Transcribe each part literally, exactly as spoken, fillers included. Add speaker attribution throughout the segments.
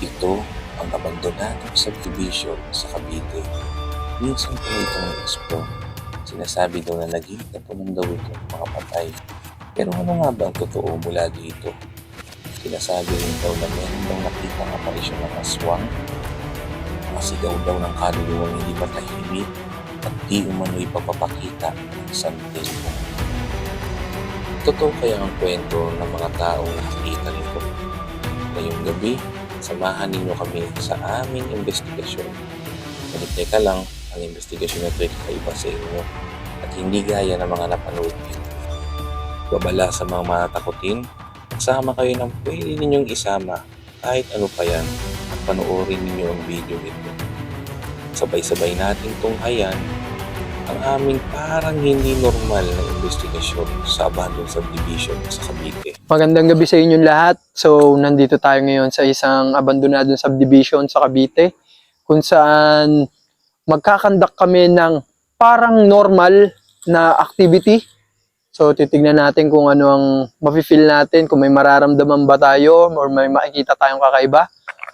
Speaker 1: Ito ang abandonadong subdivision sa Cavite. Minsan po itong explore. Sinasabi daw na naging tapunan daw ito ng mga patay. Pero ano nga ba ang totoo mula dito? Sinasabi rin daw na meron daw nakita ang aparisyon ng aswang, masigaw daw ng kaluluwang hindi matahimik at di umano'y papapakita ng santilmo. Totoo kaya ang kwento ng mga taong nakakita nito? Ngayong gabi, samahan ninyo kami sa aming investigasyon. Ngunit teka lang, ang investigasyon na ito ay kakaiba sa inyo at hindi gaya ng mga napanood nyo. Babala sa mga matatakutin, magsama kayo ng pwede ninyong isama kahit ano pa yan at panoorin ninyo ang video nito. Sabay-sabay nating tunghayan ang aming parang hindi normal na investigasyon sa abandoned subdivision sa Cavite.
Speaker 2: Magandang gabi sa inyong lahat. So, nandito tayo ngayon sa isang abandonadong subdivision sa Cavite kung saan magkakandak kami ng parang normal na activity. So, titignan natin kung ano ang mafe-feel natin, kung may mararamdaman ba tayo or may makikita tayong kakaiba.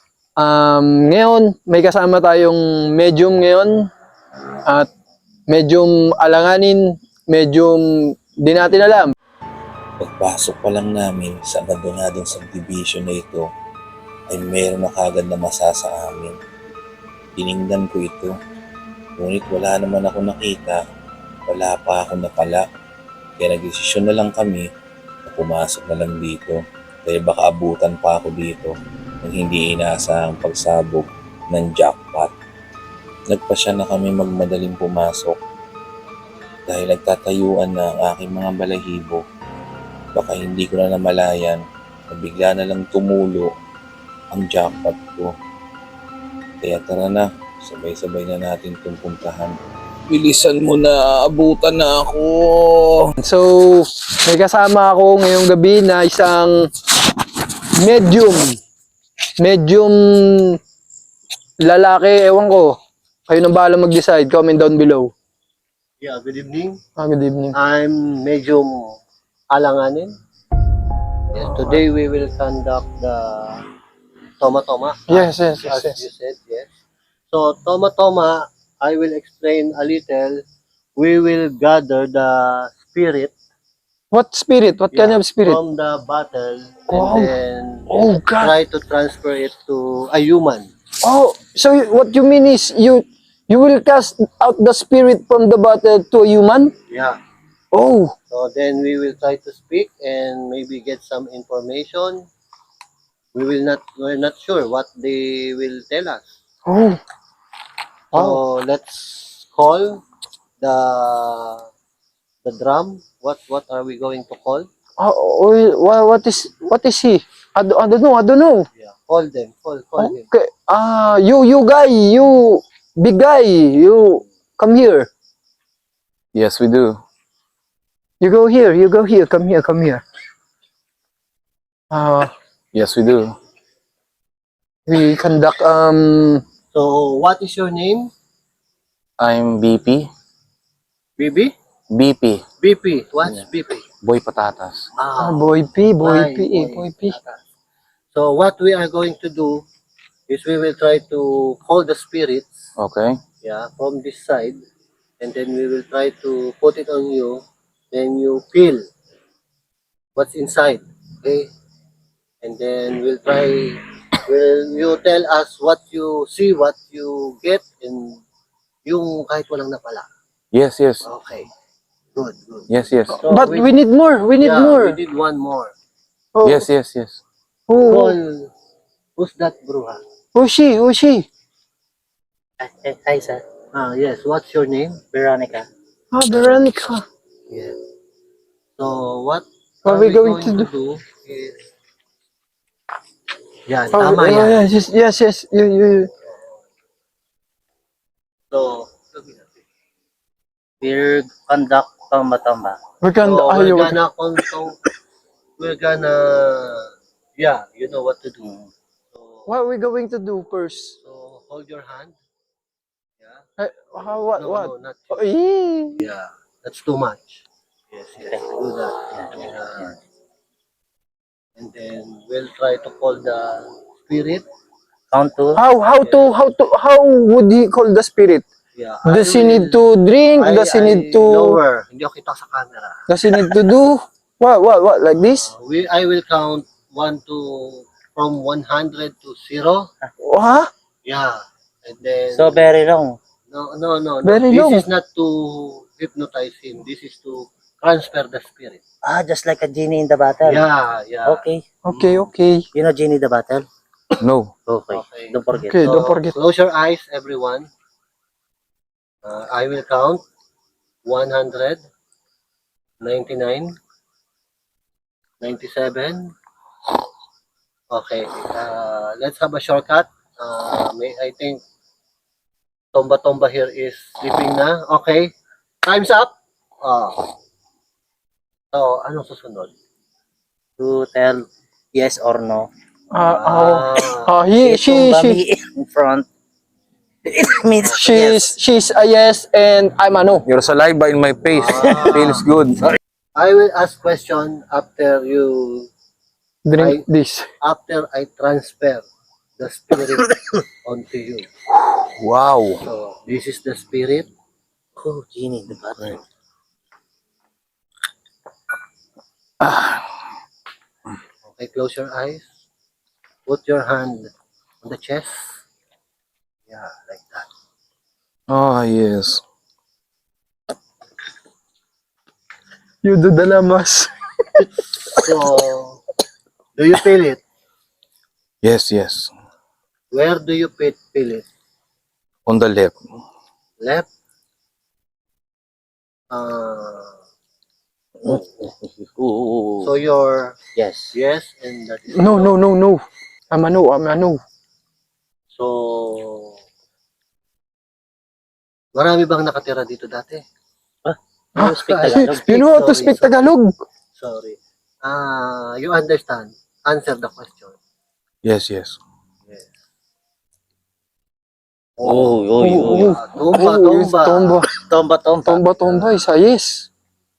Speaker 2: Um, ngayon, may kasama tayong medium ngayon at medyong alanganin, medyong di natin alam.
Speaker 1: Pagpasok pa lang namin sa abandonadong subdivision na ito, ay meron na kagad na masa sa amin. Tiningnan ko ito, ngunit wala naman ako nakita, wala pa ako napala. Kaya nagdesisyon na lang kami na pumasok na lang dito, kaya baka abutan pa ako dito ng hindi inaasahang pagsabog ng jackpot. Nagpasya na kami magmadaling pumasok dahil nagtatayuan na ang aking mga balahibo. Baka hindi ko na namalayan na bigla na lang tumulo ang jackpot ko. Kaya tara na, sabay-sabay na natin itong puntahan. Bilisan mo na, abutan na ako.
Speaker 2: So, may kasama ako ngayong gabi na isang medium. Medium lalaki, ewan ko. Kayo nang bahala mag-decide. Comment down below.
Speaker 3: Yeah, good evening.
Speaker 2: Ah, good evening.
Speaker 3: I'm Medium Alanganin. Yes, today we will conduct the Toma Toma.
Speaker 2: Yes, yes, yes,
Speaker 3: As
Speaker 2: yes.
Speaker 3: you said, yes. So Toma Toma, I will explain a little. We will gather the spirit,
Speaker 2: What spirit? What kind
Speaker 3: yeah,
Speaker 2: of spirit?
Speaker 3: from the battle, and
Speaker 2: Oh.
Speaker 3: then
Speaker 2: Oh, God.
Speaker 3: try to transfer it to a human.
Speaker 2: Oh, so you- what you mean is you you will cast out the spirit from the battle to a human?
Speaker 3: Yeah.
Speaker 2: Oh,
Speaker 3: So then we will try to speak and maybe get some information. We will not, we're not sure what they will tell us.
Speaker 2: oh.
Speaker 3: So
Speaker 2: Oh.
Speaker 3: let's call the the drum. What what are we going to call?
Speaker 2: Oh, oh, wha- what is what is he? I don't, I don't know. I don't know.
Speaker 3: Yeah, call them. Call call him.
Speaker 2: Okay. Ah, you you guy, you big guy, you come here.
Speaker 1: Yes, we do.
Speaker 2: You go here. You go here. Come here. Come here. Uh,
Speaker 1: Yes, we do.
Speaker 2: we conduct um.
Speaker 3: So what is your name?
Speaker 1: I'm B P.
Speaker 3: B B?
Speaker 1: B P.
Speaker 3: B P. What's B P?
Speaker 1: Boy Patatas.
Speaker 2: Ah,
Speaker 3: Ah,
Speaker 2: boy P, boy
Speaker 3: Boy,
Speaker 2: P, eh,
Speaker 3: boy.
Speaker 2: boy P.
Speaker 3: so what we are going to do is we will try to call the spirits,
Speaker 1: Okay.
Speaker 3: yeah, from this side, and then we will try to put it on you. Then you feel what's inside, okay? And then we'll try. Will you tell us what you see, what you get, and yung kahit walang napala.
Speaker 1: Yes, yes.
Speaker 3: Okay. Good, good.
Speaker 1: Yes, yes.
Speaker 3: So
Speaker 2: But we need more. We need
Speaker 3: yeah,
Speaker 2: more.
Speaker 3: we did one more.
Speaker 2: Oh,
Speaker 1: Yes, yes, yes.
Speaker 2: Who,
Speaker 3: Call, who's that bruja?
Speaker 2: who's she? Who's she?
Speaker 3: Hi, hi, sir. Ah, yes. What's your name? Veronica.
Speaker 2: Ah, Veronica.
Speaker 3: Yes. So what
Speaker 2: What
Speaker 3: are
Speaker 2: we going to
Speaker 3: do is, yan,
Speaker 2: Oh,
Speaker 3: tama
Speaker 2: oh,
Speaker 3: yan.
Speaker 2: yes, yes, yes. You, you.
Speaker 3: So, we'll conduct tamba-tamba.
Speaker 2: We can.
Speaker 3: So,
Speaker 2: ah,
Speaker 3: we're
Speaker 2: you-
Speaker 3: gonna conduct, we're gonna, yeah, you know what to do. So,
Speaker 2: What are we going to do first?
Speaker 3: so hold your hand. Yeah.
Speaker 2: Eh, how, what?
Speaker 3: No,
Speaker 2: what?
Speaker 3: no, not
Speaker 2: Oh,
Speaker 3: you.
Speaker 2: eh.
Speaker 3: Yeah, that's too much. Yes, yes, do that. Yeah. And then we'll try to call the spirit.
Speaker 4: Count to.
Speaker 2: How how to how to how would he call the spirit?
Speaker 3: Yeah.
Speaker 2: Does he
Speaker 3: I
Speaker 2: need
Speaker 3: will-
Speaker 2: to drink?
Speaker 3: I-
Speaker 2: Does he
Speaker 3: I
Speaker 2: need to
Speaker 3: Lower. Hindi ako kita sa camera.
Speaker 2: does he need to do what what what like this?
Speaker 3: Uh, we, I will count one to, from one hundred to zero.
Speaker 2: Huh?
Speaker 3: Yeah. And then,
Speaker 4: So very long.
Speaker 3: no, no, no, no.
Speaker 2: Very
Speaker 3: This
Speaker 2: long.
Speaker 3: is not to hypnotize him. This is to transfer the spirit.
Speaker 4: Ah, just like a genie in the bottle.
Speaker 3: Yeah, yeah.
Speaker 4: Okay.
Speaker 2: Okay, okay.
Speaker 4: You know genie in the bottle?
Speaker 1: No.
Speaker 4: Okay.
Speaker 3: Okay.
Speaker 4: Don't forget.
Speaker 2: Okay,
Speaker 3: So,
Speaker 2: don't forget.
Speaker 3: Close your eyes, everyone. Uh, I will count one hundred, ninety-nine, ninety-seven. Okay. Uh, let's have a shortcut. Uh, may, I think Tomba Tomba here is sleeping na. Okay. Time's up. Uh, so, anong susunod?
Speaker 4: To tell yes or no.
Speaker 2: Uh, oh,
Speaker 3: Ah,
Speaker 2: uh, he
Speaker 4: If
Speaker 2: she
Speaker 4: tumba
Speaker 2: she
Speaker 4: me in front, it means
Speaker 2: she's
Speaker 4: yes.
Speaker 2: she's a yes and I'm a no.
Speaker 1: Your saliva in my face
Speaker 3: Ah.
Speaker 1: feels good.
Speaker 3: I will ask question after you
Speaker 2: Drink this.
Speaker 3: after I transfer the spirit onto you.
Speaker 1: Wow.
Speaker 3: So, this is the spirit.
Speaker 4: Oh, genie in the bottle.
Speaker 3: Okay, close your eyes. Put your hand on the chest. Yeah, like that.
Speaker 1: Oh, yes.
Speaker 2: You do the lamas.
Speaker 3: So, do you feel it?
Speaker 1: Yes, yes.
Speaker 3: Where do you feel, feel it?
Speaker 1: On the left.
Speaker 3: Left? Uh,
Speaker 4: Ooh.
Speaker 3: so, your
Speaker 4: Yes.
Speaker 3: yes, and that is
Speaker 2: No, no, no, no. I'm a no. I'm a no.
Speaker 3: So, marami bang nakatira dito dati?
Speaker 4: You speak Tagalog.
Speaker 2: You know how to
Speaker 3: Sorry,
Speaker 2: speak
Speaker 3: sorry.
Speaker 2: Tagalog?
Speaker 3: Sorry. Ah, you understand. Answer the question.
Speaker 1: Yes, yes.
Speaker 3: Yes.
Speaker 4: Oh, oh,
Speaker 2: Oh,
Speaker 4: oh,
Speaker 2: oh.
Speaker 3: Ah, Tumba,
Speaker 2: Oh, it's
Speaker 3: tumba.
Speaker 2: tomba.
Speaker 4: Tomba, tomba.
Speaker 2: Tomba, tomba is a yes.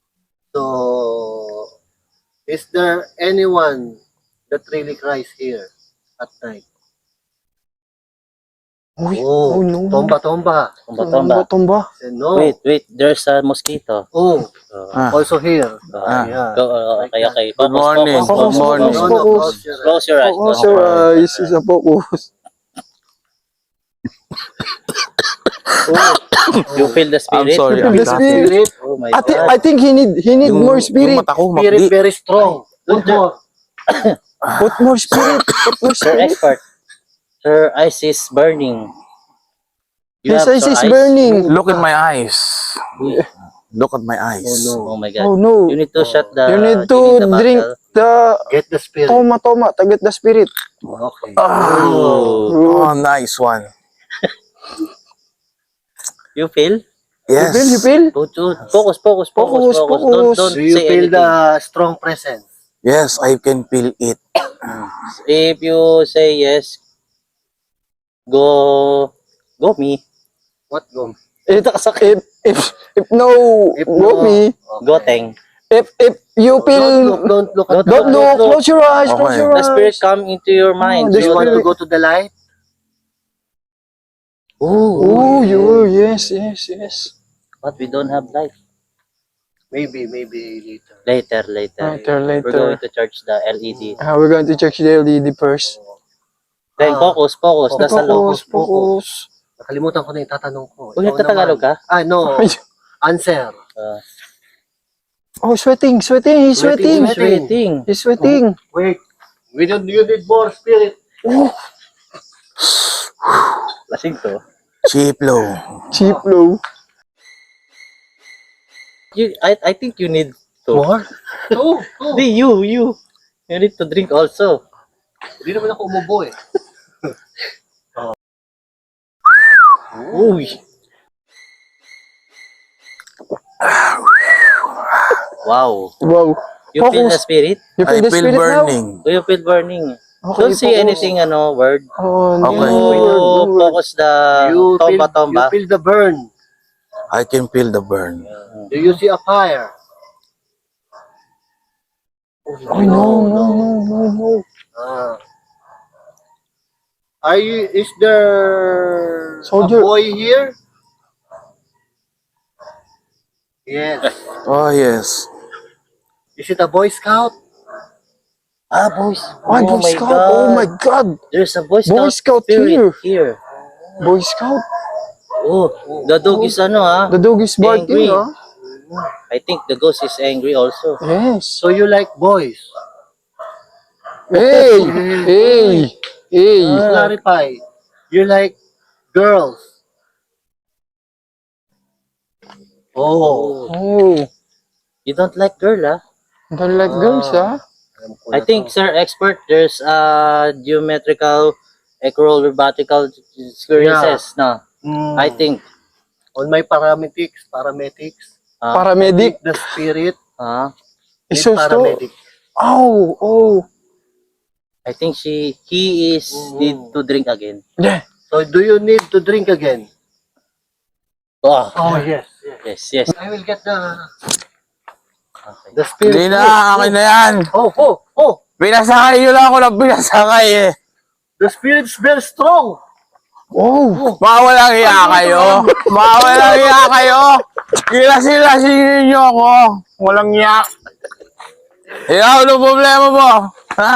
Speaker 3: So, is there anyone that really cries here at night?
Speaker 2: Uy,
Speaker 3: Oh,
Speaker 2: oh no.
Speaker 3: tomba, tomba.
Speaker 4: Tomba,
Speaker 2: Tomba,
Speaker 4: tomba.
Speaker 2: tomba.
Speaker 3: Say no.
Speaker 4: Wait, wait. There's a mosquito.
Speaker 3: Oh,
Speaker 4: Uh,
Speaker 1: Ah.
Speaker 3: also here.
Speaker 4: uh,
Speaker 3: Yeah.
Speaker 4: go, uh, okay, okay.
Speaker 1: Good
Speaker 4: Focus,
Speaker 1: morning.
Speaker 4: focus,
Speaker 1: Good
Speaker 4: focus,
Speaker 1: morning.
Speaker 4: focus.
Speaker 3: No, no,
Speaker 2: Focus.
Speaker 3: close your
Speaker 4: Close your eyes.
Speaker 2: Focus
Speaker 4: Close
Speaker 2: your
Speaker 4: your eyes.
Speaker 2: eyes. Is a focus.
Speaker 3: Oh,
Speaker 4: You feel the
Speaker 1: I'm
Speaker 4: spirit?
Speaker 1: sorry.
Speaker 2: You feel
Speaker 1: I'm
Speaker 2: the
Speaker 1: not-
Speaker 2: spirit?
Speaker 3: spirit.
Speaker 4: Oh my
Speaker 2: I, thi-
Speaker 4: God.
Speaker 2: I think he need he need
Speaker 1: Yung,
Speaker 2: more
Speaker 1: yung
Speaker 2: spirit.
Speaker 1: mata ko,
Speaker 3: Spirit
Speaker 1: makdi.
Speaker 3: very strong. Put more.
Speaker 2: Put more spirit. Put more
Speaker 4: Sir
Speaker 2: spirit.
Speaker 4: expert. Her eyes is burning. You
Speaker 2: His
Speaker 4: have
Speaker 2: eyes
Speaker 4: sore
Speaker 2: is
Speaker 4: eyes?
Speaker 2: burning.
Speaker 1: Look at my eyes.
Speaker 4: Uy.
Speaker 1: Look at my eyes.
Speaker 3: Oh no.
Speaker 4: Oh my God.
Speaker 2: Oh no.
Speaker 4: You need to shut the
Speaker 2: You need to
Speaker 4: you need the
Speaker 2: drink
Speaker 4: bottle.
Speaker 2: the
Speaker 3: Get the spirit.
Speaker 2: toma toma to get the spirit.
Speaker 3: Okay.
Speaker 4: Oh.
Speaker 1: Oh, nice one.
Speaker 4: You feel?
Speaker 1: Yes.
Speaker 2: You feel? You feel?
Speaker 4: Go to focus, focus, focus,
Speaker 2: Focus,
Speaker 4: focus.
Speaker 2: focus.
Speaker 4: Don't, don't
Speaker 3: Do you
Speaker 4: say
Speaker 3: feel
Speaker 4: anything.
Speaker 3: the strong presence?
Speaker 1: Yes, I can feel it.
Speaker 4: If you say yes, go, go me.
Speaker 3: What go?
Speaker 2: If if if, if no,
Speaker 3: If
Speaker 2: go
Speaker 3: no,
Speaker 2: me.
Speaker 4: Go teng.
Speaker 2: If if you
Speaker 3: Don't
Speaker 2: feel,
Speaker 3: look, don't look at
Speaker 2: don't
Speaker 3: the
Speaker 2: look.
Speaker 3: light.
Speaker 2: Close your eyes. Close
Speaker 1: Okay.
Speaker 2: your
Speaker 4: The spirit
Speaker 2: eyes.
Speaker 4: come into your mind.
Speaker 2: Oh,
Speaker 3: Do
Speaker 2: the
Speaker 3: you want to
Speaker 2: spirit.
Speaker 3: go to the light?
Speaker 2: Oh, you yes yes yes.
Speaker 4: But we don't have light.
Speaker 3: Maybe, maybe later.
Speaker 4: Later, later.
Speaker 2: Later
Speaker 4: We're going
Speaker 2: later.
Speaker 4: to charge the L E D.
Speaker 2: Uh, we're going to check the L E D first.
Speaker 4: Then
Speaker 3: Ah,
Speaker 4: focus, focus.
Speaker 3: focus.
Speaker 4: Nasa loob.
Speaker 2: Focus, focus.
Speaker 3: Nakalimutan ko na yung tatanong ko.
Speaker 4: Uy,
Speaker 3: Ikaw
Speaker 4: nagtatagalog
Speaker 3: naman.
Speaker 4: ka?
Speaker 3: Ah, no. Answer.
Speaker 4: Uh,
Speaker 2: Oh, sweating, sweating. He's
Speaker 3: Sweating,
Speaker 2: sweating.
Speaker 3: sweating.
Speaker 4: Sweating.
Speaker 2: He's sweating.
Speaker 3: Wait. We don't, you need more spirit.
Speaker 4: Lasing to.
Speaker 1: Cheap low.
Speaker 2: Cheap low.
Speaker 4: You, I, I think you need to.
Speaker 3: More? Two. Two.
Speaker 4: Hindi, you, you. You need to drink also.
Speaker 3: Hindi naman ako umubo eh.
Speaker 4: Uy. Wow.
Speaker 2: Wow.
Speaker 4: You feel the
Speaker 2: Focus.
Speaker 4: spirit?
Speaker 2: You feel
Speaker 1: I
Speaker 2: the
Speaker 1: feel
Speaker 2: spirit
Speaker 1: burning.
Speaker 4: Do you feel burning?
Speaker 2: now?
Speaker 4: Don't say anything, ano, word.
Speaker 2: Oh, no
Speaker 1: Okay.
Speaker 4: You
Speaker 2: word, no word.
Speaker 4: focus the
Speaker 3: You feel,
Speaker 4: tomba
Speaker 3: you
Speaker 4: tomba.
Speaker 3: feel the burn.
Speaker 1: I can feel the burn.
Speaker 3: Do you see a fire?
Speaker 2: Oh, no, no, no, no, no.
Speaker 3: Ah. Are you, is there
Speaker 2: Soldier.
Speaker 3: a boy here? Yes.
Speaker 1: Oh, yes.
Speaker 3: Is it a Boy Scout?
Speaker 4: Ah, boys.
Speaker 2: Ay,
Speaker 4: oh
Speaker 2: Boy
Speaker 4: my
Speaker 2: Scout.
Speaker 4: God.
Speaker 2: Oh my God.
Speaker 4: There's a Boy Scout,
Speaker 2: Boy Scout
Speaker 4: spirit
Speaker 2: here.
Speaker 4: here.
Speaker 2: Boy Scout.
Speaker 4: Oh, the dog is ano ah.
Speaker 2: The dog is barking,
Speaker 4: Angry.
Speaker 2: ah.
Speaker 4: I think the ghost is angry also.
Speaker 2: Yes.
Speaker 3: So you like boys?
Speaker 2: Hey, hey, hey.
Speaker 3: To clarify, you like girls? Oh.
Speaker 2: Oh,
Speaker 4: You don't like girl ah?
Speaker 2: don't like girls, ah.
Speaker 3: Alam ko
Speaker 4: I
Speaker 3: na
Speaker 4: think,
Speaker 3: to.
Speaker 4: sir, expert, there's uh, geometrical, acrobatical experiences, no?
Speaker 3: Hmm.
Speaker 4: I think,
Speaker 3: On my paramedics, paramedics,
Speaker 4: uh,
Speaker 2: Paramedic.
Speaker 3: the spirit
Speaker 4: uh,
Speaker 3: need
Speaker 2: Isos to.
Speaker 3: paramedic.
Speaker 2: Oh, oh.
Speaker 4: I think she, he is
Speaker 3: Mhm.
Speaker 4: need to drink again.
Speaker 2: Yeah.
Speaker 3: So do you need to drink again?
Speaker 4: Oh,
Speaker 3: Oh yes, yes.
Speaker 4: yes, yes.
Speaker 3: I will get the
Speaker 4: Okay.
Speaker 3: the spirit.
Speaker 1: Hindi na, akin na yan.
Speaker 3: Oh, oh, oh!
Speaker 1: Pinasakay nyo lang ako ng pinasakay eh.
Speaker 3: The spirit's very strong.
Speaker 2: Oh.
Speaker 1: Mawalang iya kayo. Mawalang iya kayo. Gilasin-lasinin nyo ako. Walang iya. Ikaw, ano problema mo? Ha?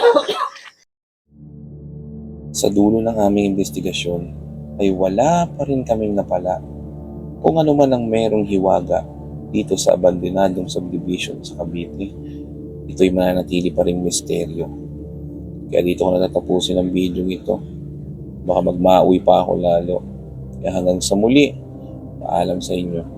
Speaker 1: Sa dulo ng aming investigasyon ay wala pa rin kaming napala kung ano man ang merong hiwaga dito sa abandonadong subdivision sa Cavite. Ito'y mananatili pa rin misteryo. Kaya dito ko na natapusin ang video ito. Baka magmauwi pa ako lalo. Kaya hanggang sa muli, paalam sa inyo.